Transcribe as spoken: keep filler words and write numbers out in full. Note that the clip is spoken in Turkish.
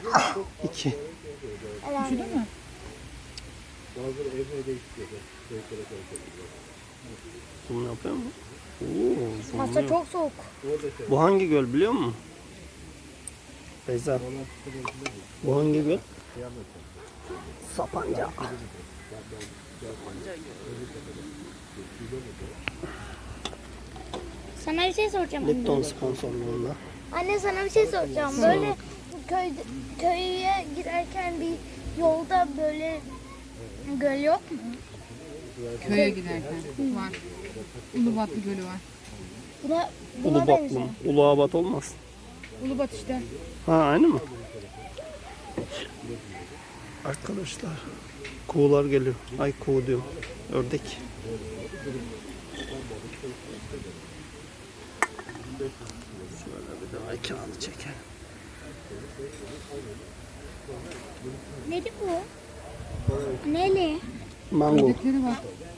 İki. Üşüdün mü? Zoom yapıyor mu? Oo, Masa zoomluyor. çok soğuk. Bu hangi göl biliyor musun? Beyza. Bu hangi göl? Sapanca. Sana bir şey soracağım anne. Lipton sponsorluğunda. Anne sana bir şey soracağım. Böyle köy köye girerken bir yolda böyle göl yok mu? Köye giderken var. Ulubatlı Gölü var. Buna, buna Ulubatlı benziyor. mı? Uluabat olmaz. Ulubat işte. Ha aynı mı? Arkadaşlar kuğular geliyor. Ay kuğu diyorum. Ördek. Şöyle bir de ay kağıdı çekelim. Neli bu? Neli? Mango. Ördekleri var.